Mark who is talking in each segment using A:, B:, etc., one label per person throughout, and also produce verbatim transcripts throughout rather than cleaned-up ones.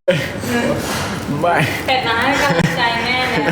A: ไม่
B: เป็ดมาให้กำลังใจแม่เลย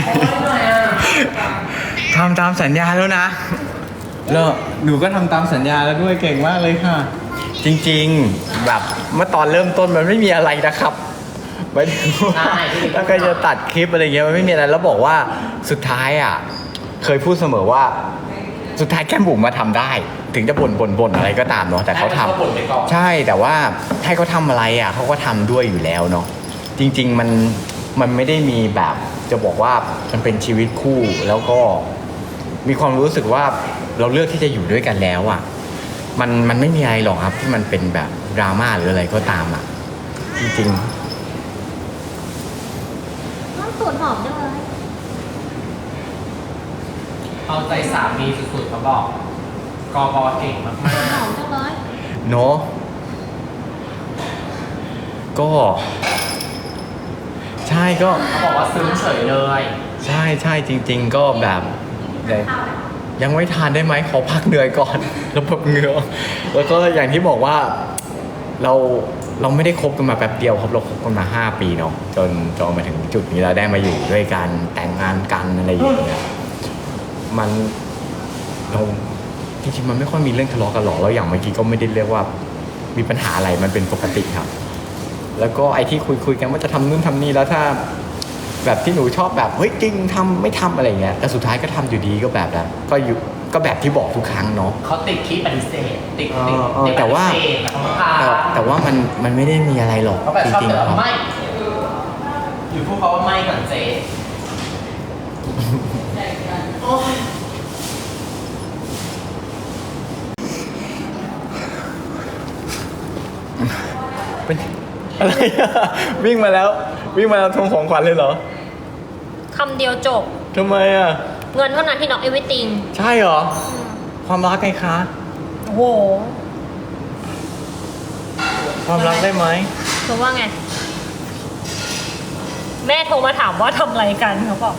A: ทำตามสัญญาแล้วนะแล้วหนูก็ทำตามสัญญาแล้วด้วยเก่งมากเลยค่ะ จริงๆแบบเมื่อตอนเริ่มต้นมันไม่มีอะไรนะครับไม่ถึงว่าถ้าใครจะตัดคลิปอะไรเงี้ยมันไม่มีอะไรแล้วบอกว่าสุดท้ายอ่ะเคยพูดเสมอว่าสุดท้ายแก้มบุ๋มมาทำได้ ถึงจะบ่นบ่นบ่นอะไรก็ตามเนาะแต่เขาทำใช่แต่ว่าให้เขาทำอะไรอ่ะเขาก็ทำด้วยอยู่แล้วเนาะจริงๆมันมันไม่ได้มีแบบจะบอกว่ามันเป็นชีวิตคู่แล้วก็มีความรู้สึกว่าเราเลือกที่จะอยู่ด้วยกันแล้วอ่ะมันมันไม่มีอะไรหรอกครับที่มันเป็นแบบดราม่าหรืออะไรก็ตามอ่ะจริง
B: น้องสูตรหอมจังเลย
C: เอาใจสามีสุดๆเขาบอกกอบอเก่งมาก
B: หอมจังเลย
A: เนาะก็ใช่ก็
C: ๆเขาบอกว่าซึ้งเฉยเลย
A: ใช่ใช่จริง ๆ ก็แบบยังไม่ทานได้ไหมขอพักเหนื่อยก่อน แล้วแบบเหงื่อแล้วก็อย่างที่บอกว่าเราเราไม่ได้คบกันมาแป๊บเดียวครับเราคบกันมาห้าปีเนาะจนจนมาถึงจุดนี้เราได้มาอยู่ด้วยกันแต่งงานกันอะไรอย่างเงี้ยมันเราจริงๆมันไม่ค่อยมีเรื่องทะเลาะกันหรอกแล้วอย่างเมื่อกี้ก็ไม่ได้เรียกว่ามีปัญหาอะไรมันเป็นปกติครับแล้วก็ไอ้ที่คุยคุยกันว่าจะทำนู่นทำนี่แล้วถ้าแบบที่หนูชอบแบบเฮ้ยจริงทำไม่ทำอะไรเงี้ยแต่สุดท้ายก็ทำอยู่ดีก็แบบนั้นก็อยู่ก็แบบที่บอกทุกครั้งเนาะ
C: เขาติดที่ปฏิเสธติดติดติด
A: แต่ว่า
C: ปฏิเสธเขาพา
A: แต่แต่ว่ามันมันไม่ได้มีอะไรหรอก
C: เขาแบบ
A: จ
C: ชอบ
A: ริง
C: แต่
A: ๆครับ
C: ไม่อยู่พูดเขาว่าไม่ก่อนเจ๊โอ้ย
A: เป็นอะไรอะวิ่งมาแล้ววิ่งมาแล้วทวงของขวัญเลยเหรอ
B: คำเดียวจบ
A: ทำไมอะ
B: เงินเท่านั้นที่น็อกเอวิติง
A: ใช่เหรอความรักไงคะ
B: โอ้โห
A: ความรักได้ไหม
B: เธอว่าไง แม่โทรมาถามว่าทำอะไรกันเขาบอก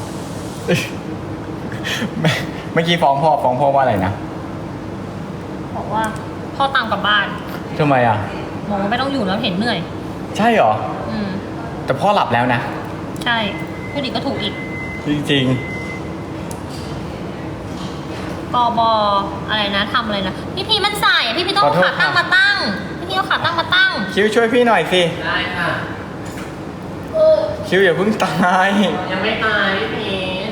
A: เมื่อกี้ฟ้องพ่อฟ้องพ่อว่าอะไรนะ
B: บอกว่าพ่อตามกลับบ้าน
A: ทำไมอะ
B: บอกว่าไม่ต้องอยู่แล้วเห็นเหนื่อย
A: ใช่เหรอ
B: อืม
A: แต่พ่อหลับแล้วนะ
B: ใช่พูดอีกก็ถูกอีก
A: จริง
B: กบอะไรนะทำอะไรนะพี่พีมันใส่พี่พีต้องเอาขาตั้งมาตั้งพี่พีเอาขาตั้งมาตั้ง
A: ๆคิวช่วยพี่หน่อยสิ
C: ได้ค่ะ
A: คิวอย่าเพิ่งตาย
C: ยังไม่ตายพี่พีช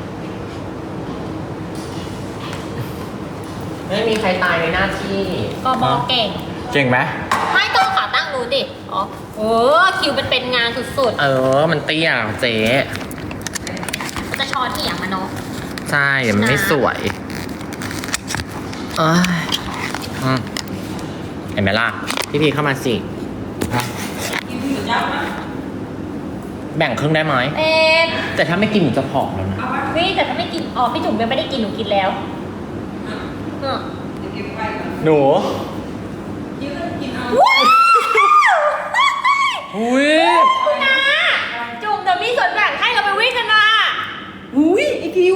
C: ไม่มีใครตายในหน้าที่
B: กบเก่ง
A: เก่งไหม
B: ให้ต้องขาตั้งดูดิอ๋อเออคิวเป็นเป็นงานสุด
C: เออมันเตี้ยเจ๊
B: ๆจะช้อนเหี่ยงมาเนาะ
C: ใช่มันไม่สวยเอ้ยอืมเห็นไหมล่ะพี่พีเข้ามาสิแบ่งครึ่งได้ไหม
B: เอ๊ะ
C: แต่ถ้าไม่กินหนูจะผอมแล้วนะ
B: วิแต่ถ้าไม่กินอ๋อพี่จุ๋มยังไม่ได้กินหนูกินแล้วเออ
A: หนู
B: ว้าว
C: อุ้ย
B: คุณนาจุ๋มเดี๋ยวมีส่วนแบ่งให้เราไปวิ่งกันนะ
D: อุ้ยไอคิว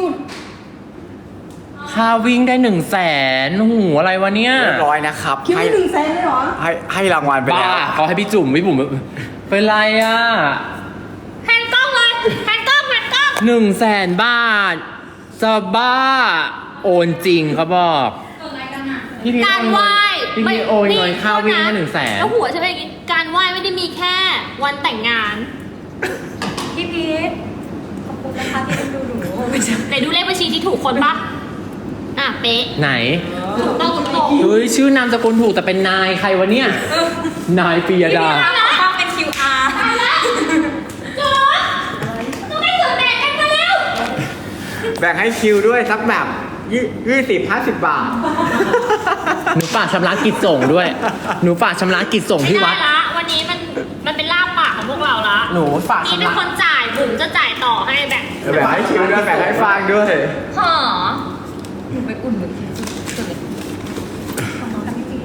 C: ค่าวิ่งได้หนึ่งแสนหูอะไรวะเนี่ย
A: เรียบร้อยนะครับ
D: คิว
A: ให้
D: ได้หนึ่งแสนเลยเหรอ
A: ให้ให้รางวัลไป
C: บ้า
A: แล้ว
C: เขาให้พี่จุ๋มพี่บุ๋มเป็นไรอ่ะ
B: แฮนกล้องเลยแฮนกล้องแฮนกล้อง
C: หนึ่งแสนบาทจะบ้า โอนจริงเขาบอกพี่พี
B: การไหว้
C: พี่พีโอนเงินค่าวิ่งให้หนึ่งแสน
B: แล้วหัวใช่ไหมการไหว้ไม่ได้มีแค่วันแต่งงาน
D: พี่พีทขอบคุณนะคะที่ดูหนูไม่ใช่
B: แต่ดูเลขบัญชีที่ถูกคนปะอ่ะเป๊ะ
C: ไหน
B: ถูกต้องถูกต้อง
C: เฮ้ยชื่อนามสกุลถูกแต่เป็นนายใครวะเนี่ย นายปียดา
D: ต้องเป็น คิว อาร์
B: จอดต้องให้ส่วนแบ่งกันมาแล้ว
A: แบ่งให้คิวด้วยสักแบบยี่ยี่สิบห้าสิบบาท
C: หนูฝากชำระกิจส่งด้วย หนูฝากชำระกิจส่งที่วัด
B: ไม่ได้ละวันนี้มันมันเป็นลาบปากของพวกเราละ
C: หนูฝาก
B: นี่
C: ชำ
B: เป็น
C: ระ
B: คนจ่ายบุ๋มจะจ่ายต่อให้แบ่ง
A: แบ่งให้คิวด้วยแบ่งให้ฟางด้วย
B: หอ
D: หนูไปอุ่นเหมือนคิวสุดเลยขอบคุณค่ะพี่พี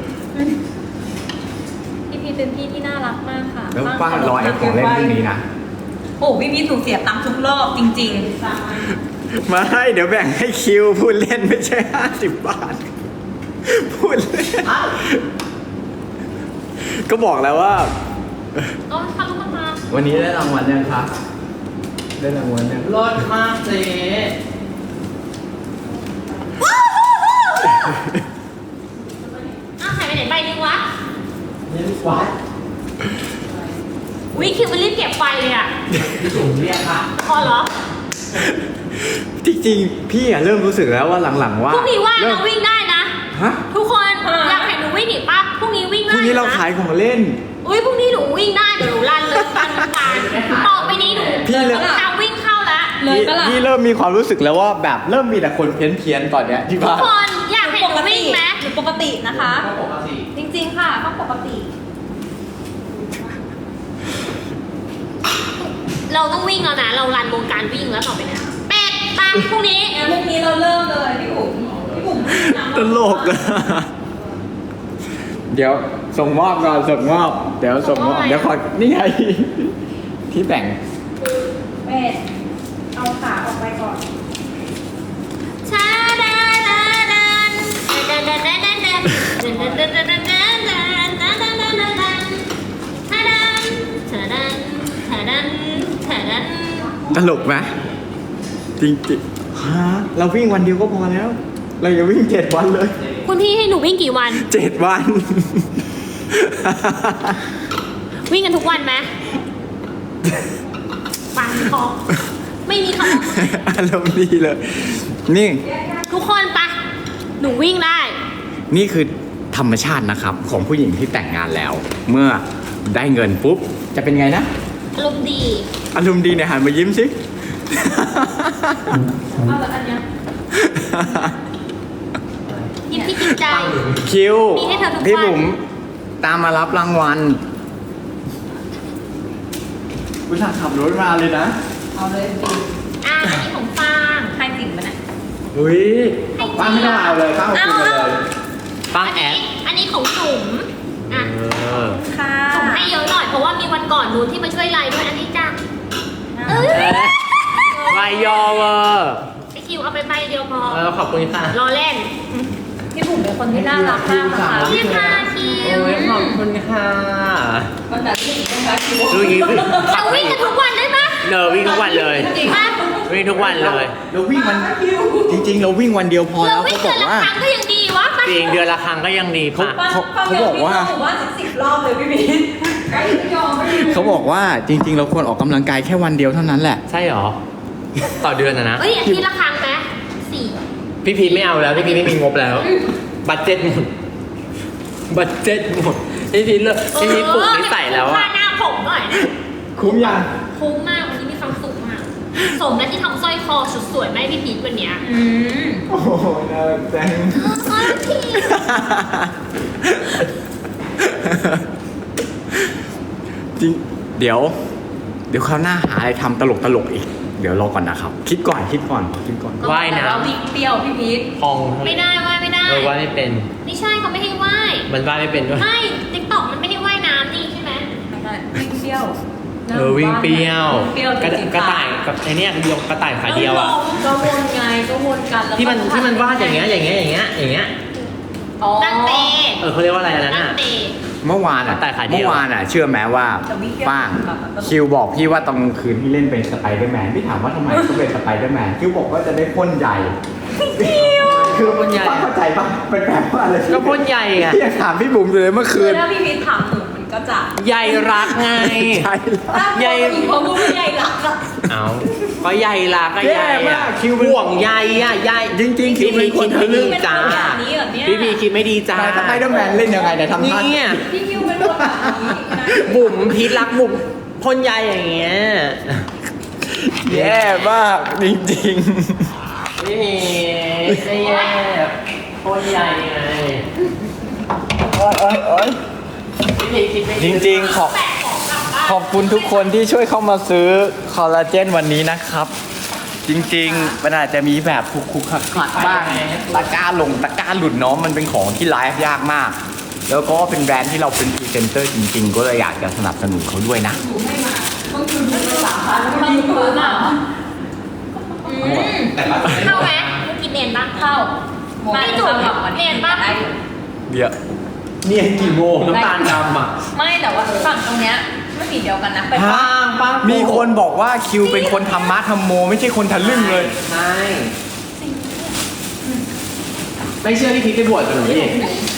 D: ทพี่พีทเป็นพี่ที่น่ารักมากค่ะ
A: แล้วฟางรอแอปของเล่นพรุ่งนี้นะ
D: โอ้พี่พีทถูกเสียตังค์ทุกรอบจริง
A: มาให้เดี๋ยวแบ่งให้คิวพูดเล่นไม่ใช่ห้าสิบบาท พูดเล่นก็บอกแล้วว่า
B: โอ้ยค่ะลูกมา
A: วันนี้ได้รางวัลยังคะได้รางวัลยัง
C: รสมากเจ๊
B: อ้าวหายไปไหนใบนึงวะ
A: นี่วัด
B: วิคิวมันรีบเก็บไฟเลยอ่ะ
C: พี่จุ๋มเรียกค่ะ
B: พอเหรอ
A: จริงๆพี่อะเริ่มรู้สึกแล้วว่าหลังๆว่า
B: พรุ่งนี้ว่าง
A: เริ่ม
B: เราวิ่งได้นะ
A: ฮะ
B: ทุกคนอยากเห็นหนูวิ่งอีกปะพรุ่งนี้วิ่ง
A: พ
B: ได้
A: รุ่งนี้เรา
B: นะ
A: ขายของเล่น
B: อุ้ยพรุ่งนี้หนูวิ่งได้เดี๋ยวหนูรันเลยรันทุกการต่อไปนี้หนู
A: พี่เลย
B: ทางวิ่งเข้าละ
D: เลยปะล่ะ
A: พี่เริ่มมีความรู้สึกแล้วว่าแบบเริ่มมีแต่คนเพี้ยนๆตอนเนี้ยที่
B: ทุก
A: บ้าน
B: คนอยากเห็นหนูวิ่งไหม
D: หรือปกตินะคะ
C: ก็ปกติ
D: จริงๆค่ะต้องปกติ
B: เราต้องวิ่งแล้วนะเรารันวงการวิ่งแล้วต่อไปเนี้เป็ดตามพรุ่งนี้
D: พรุ่งนี้เราเริ่มเลยพี่บุ๋มพี่บุ๋ม
A: ตลกอะเดี๋ยวส่งมอบก่อนส่งมอบ เดี๋ยวส่งมอบเดี๋ยวขอนี่ไงที่แบ่ง
D: เป็ดเอาขาออกไปก่อน
B: ชาดาดาดันดันดันดันดันดันดันดันดันดันดันดันดันดันดันดันดันชาดันชาดันชาดันชาดัน
A: ตลกไหมจริงๆฮะเราวิ่งวันเดียวก็พอแล้ว เราอย่าวิ่งเจ็ดวันเลย
B: คุณพี่ให้หนูวิ่งกี่วัน
A: เจ็ดวัน
B: วิ่งกันทุกวันไหมฟังพอไม่มีคำ
A: อารมณ์ดีเลย นี่
B: ทุกคนปะหนูวิ่งได้
A: นี่คือธรรมชาตินะครับ ของผู้หญิงที่แต่งงานแล้ว เมื่อได้เงินปุ๊บ จะเป็นไงนะ
B: อารมณ์ดี
A: อารมณ์ดีเนี่ยหันมายิ้มสิ
D: เอาแบบอันเนี้ย
B: ยิ้มที่จริงใจ
A: คิว
B: มีให้เธอทุกวัน
A: พี่บุ๋มตามมารับรางวัลอุตส่าห์ขับรถมาเลยนะ
D: เอาเลยสิ
B: อ่าอันนี้ของฟาง
D: ให้จริงปะเนี่ย
A: อุ้ยป้าไม่ต้องเอาเลยป้าเอาคืนไปเลย
C: ป้า
B: อัน
C: แอ
B: นี้
C: ด
B: อันนี้ของจุ๋มอ่ะ
C: เออ
D: ค่ะ
B: จุ๋มให้เยอะหน่อยเพราะว่ามีวันก่อนนู้นที่มาช่วยไลน์ด้วยอันนี้จ้ะเอ้ย
C: วายยอเวอร์
B: ไอคิวเอาไปใบเดียวพอ
C: เออขอบคุณค่ะ
B: รอเล่น
D: พี่บุ๋มเป็นคนที่น่ารักมากนะคะ
B: นี่ค่ะคิว
C: โอ้ยขอบคุณค่ะ
D: วันนั้นที่ต้องรักคิว
C: ดูอย่างนี้
B: เราวิ่งกันทุกวันได้ปะ
C: เนอวิ่งทุกวันเลย
B: จริงปะ
C: วิ่งทุกวันเลย
A: เราวิ่งวันจริงๆ เราวิ่งวันเดียวพอ
B: เรา
A: แล้ว
B: วิ่
A: เขา
B: ง
A: บ
B: เดื
A: อ
B: อก นละ
A: ว่า
B: ครั้งก็ยังดีวะปะ
C: จริงเดือนละครั้งก็ยังดีป่ะ
A: เขา เขาบอกว่า
D: ผมว่าสิบรอบเลยพี่บิ๊กไอ้ไม่ยอมไม่ยอม
A: เขาบอกว่าจริง ๆ เราควรออกกำลังกายแค่วันเดียวเท่านั้นแหละ
C: ใช่หรอ ต่อเดือนนะนะ
B: เอ้ยอาทิตย์ละครั้งไหมสี่
C: พี่พีไม่เอาแล้ว พี่พีไม่มีงบแล้ว บัตเจ็ตหมด บัตเจ็ตหมด พี่พีเลิกพี่พีปลุกนิสัยแล้ว
B: ค่า
C: อะ
B: หน้าผมหน่อยนะ
A: คุ้มยัง
B: คุ้มมากวันนี้มีความสุขมาก สมแล้วที่ทำสร้อยคอสุดสวยไหมาให้พี่พีทวันเนี้ย
D: อืม
A: โอ้โหน่ารักจัง
B: เออพี่
A: จริง เดี๋ยว เดี๋ยวคราวหน้าหาอะไรทำตลกตลกๆอีก เดี๋ยวรอก่อนนะครับ คิดก่อนคิดก่อนคิดก่อน
C: ว่ายน้
D: แต่ว่าวิ่งเปรี้ยวพี่บิ๊ก
C: ำพอง
B: ไม่ได้ว่ายไม่ได้
C: เออว่ายไม่เป็น
B: ไม่ใช่เขาไม่ให้ว่าย
C: มันว่ายไม่เป็นด้วย
B: ไม่ติ๊กต็อกมันไม่ให้ว่ายน้ำนี่ใช่ไหม
D: วิ่งเปรี้ยว
C: เออวิ่งเปรี้ยว
D: วิ่งเปรี้ยว
C: กระ
D: จริงๆ
C: กระต่ายกับไอเนี้ยเดียวกระต่ายขาเดียวอ่ะ
D: ก็วนไงก็วนกันแล้วก็
C: ที่มันที่มันวาดอย่างเงี้ยอย่างเงี้ยอย่างเงี้ยอย่างเงี้ย
D: อ๋อ
B: ตั้งเตะ
C: เออเขาเรียกว่าอะไรอันนั้น
B: ตั้ง
C: อ่ะ
B: เตะ
A: เมื่อวานอ่ะ
C: แต่ขาเดียว
A: เมื่อวานอ่ะ เชื่อไหมว่า
D: แต่วิ่งเปรี้ยว
A: ป้าง
D: แบบตลก
A: คิวบอกพี่ว่าตอนกลางคืนที่เล่นเป็นสไปเดอร์แมนพี่ถามว่าทำไมต้องเป็นสไปเดอร์แมนคิวบอกว่าจะได้พ่นใหญ่คือพ่นใหญ่เข้าใจปะเป็นแบบว่าอะไร
C: ก็พ่นใหญ่ไง
A: พี่ยังถามพี่บุ๋มอยู่เลยเมื่อคื
D: คือน ถ้าพี่พีทถามหนูมันก็จะ
C: ใหญ่รักไง
A: ใช่
D: ถ้า
C: ใหญ่
D: อีกพอพูดว่าใหญ่รักอะ
C: เอาก็ใหญ่รักก็ใหญ่
A: แย่มา
C: อะ
A: กคิวเป็น
C: ห่วงใยอ่ะใหญ่
A: จริงๆคิวเป็นคนทะลึ่ง
C: จ้า
D: แบบนี้เหรอเนี่ย
C: พี่พีคิดไม่ดีจ้า
A: แต่สไปเดอร์แมนเล่นยังไงเนี่ยทำท่า
C: เนี่ย
D: พี่คิวเป็นคนแบบนี้นะ
C: บุ๋มพีทรักบุ๋มพ่นใยอย่างเงี้ย
A: แย่มากจริง
C: พี่พีไม่แย่พ่นใยไง
A: ๆโอ๊ยโอ๊ยโอ๊ย
C: พี่พีคิดไม่
A: จ
C: ดี
A: ริงๆขอบขอบคุณทุกคนที่ช่วยเข้ามาซื้อคอลลาเจนวันนี้นะครับ จริงๆมันอาจจะมีแบบคุกๆขัดๆบ้างตะกร้าลงตะกร้าหลุดเน้องมันเป็นของที่ไลฟ์ยากมาก แล้วก็เป็นแบรนด์ที่เราเป็นพรีเซนเตอร์จริงๆ ก็เลยอยากจะสนับสนุนเขาด้วยนะ
D: ต้องคืนไม่สามพันไม่มีคืนอ่ะ
B: อืมเข้าไหมเมื่อกี้เนียนบ้าง
D: เข้า
B: ไม่จุดเนียนบ้าง
A: เดี๋ยว
C: เนี่ยกี่โมงน้ำตาลดำอ่ะ
D: ไม่แต่ว่าฝั่งตรงเนี้ยไม่สีเดียวกันนะไป
A: ฮะ
C: ปังปัง
A: มีคนบอกว่าคิวเป็นคนธรรมะธรรมโม ไม่ใช่คนทะลึ่งเลย
C: ใช่ไม่เชื่อที่พีคไปบวชกับหนูดิ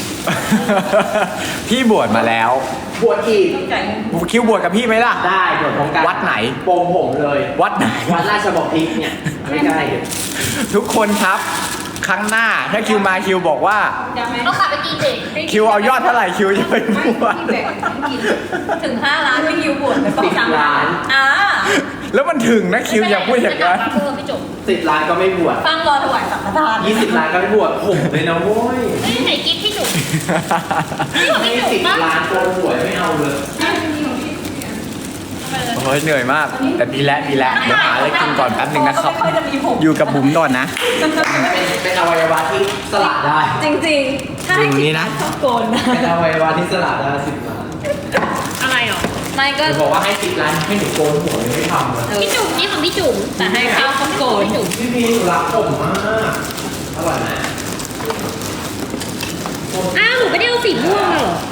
A: พี่บวชมาแล้ว
C: บวชอีก
D: ไก่
A: คิวบวชกับพี่ไหมล่ะ
C: ได้บวชพร้อมกัน
A: วัดไหน
C: โปงผมเลย
A: วัดไหน
C: วัดราชบพิตรเนี่ยไม่ใกล้
A: ทุกคนครับ ครั้งหน้าถ้าคิวมาคิวบอกว่า
D: จำไหม
B: เอาขาไปกินเด็ก
A: คิวเอายอดเท่าไหร่คิวจะไปบวช
D: ที่แบ่งกินถึงห้าล้านไม่ยิวบวชแต่ต้องสามล้านอ่า
A: แล้วมันถึงนะคิวอย่าพูดอย่างนั้น
B: เพิ่มพี่จุ๋ม
C: สิบล้านก็ไม่บวช
D: ฟังรอถวายสังฆทาน
C: ยี่สิบล้านก็ไม่บวชผมเลยนะโว้ย
B: เฮ้ยไหนกิฟพี่จุ๋มนี่ของ
C: ไม่
B: พี่จุ๋ม
C: สิบ
B: ปะ
C: ล้านโกนบวชไม่เอาเลย
A: โอ้ยเหนื่อยมาก แต่ดีแล้วดีแล้วเดี๋ยวหาอะไรกินก่อนแป๊บหนึงนะครับ
D: ไม่ค่อยจะมีผม
A: อยู่กับบุ๋มก่อนนะ
C: เป็นเป็นอวัยวะที่สละได้
D: จริงๆ ถ้าให้
A: อย่างนี้นะ
D: ชอบโกนนะ
C: เป็นอวัยวะที่สละได้สิบล้าน
B: อะไรหรอ
D: ไม่ก็
C: จะบอกว่าให้สิบล้านให้หนูโกนหัวเลยไม่ทำเลย
B: พี่จุ๋มนี่ของพี่จุ๋ม
D: แต่ให้เขาต้องโกน
B: พี่จุ๋ม
C: พี่พีหนูรักผมมากอร่อยไหม
B: อ้าวหนูไม่ได้เอาสีม่วงมาเหรอ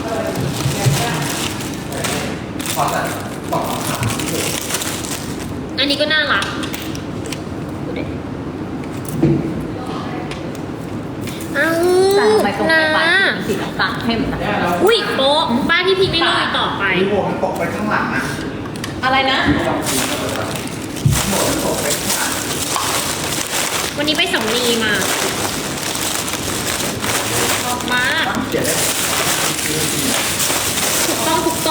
C: ขอจัดตอบคำถาม
B: อันนี้ก็น่ารักดูดิอ้าว
D: แต่ทำไมตรง
B: นะ
D: ไปปลายสีน้ำตาลเข้มนะ
B: อุ้ยโป๊ะบ้านพี่พีไม่ลุยต่อไป
A: มีหัวมันตกไปข้างหลังอ่ะ
D: อะไรนะ
B: วันนี้ไปสำลีมาชอบมาก
A: เขียนได้
B: ถูกต้องถูกตรง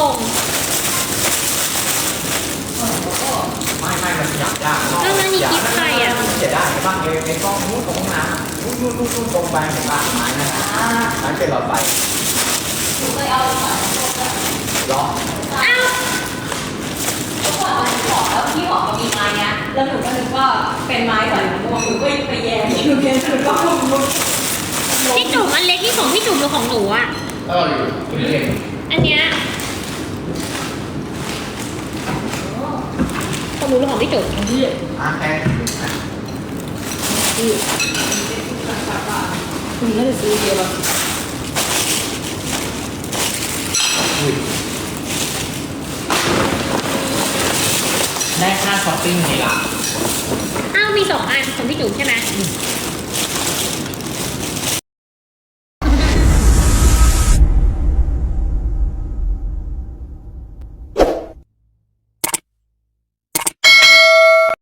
A: ไม่ไม่มันขยับยาก
B: แล้วนั่นนี่กิฟต์ใครอ่ะ
A: เขียนได้ใช่ป่ะในในกล้องนู้นตรงน้ำนู้นนู้นนู้นนู้นตรงไปเห็นป่ะไม้นั่นน่ะนั่นเป็นหลอดไฟ
D: เคยเอาไป
A: ล้อ
B: อ้าว
D: ทุกคนเอาขอแล้วพี่บอกว่ามีไม้เนี้ยแล้วหนูก็นึกว่าเป็นไม้ใส่หนูหนูก็ไปแย่หนูเรียนหนูก็มุด
B: พี่จุ๋มอันเล็กนี่ของพี่จุ๋มหรือของหนูอ่ะ
A: เอออยู่คุณเล่น
B: อันเนี้ยของหนูหรือของพี่จุ๋ม
A: อ่ะแค่
D: คุณน่าจะซื้อเยอะแล้ว
C: ได้ค่าช้อปปิ้งไงล่ะ
B: อ้าวมีสองอันของพี่จุ๋มใช่ไหม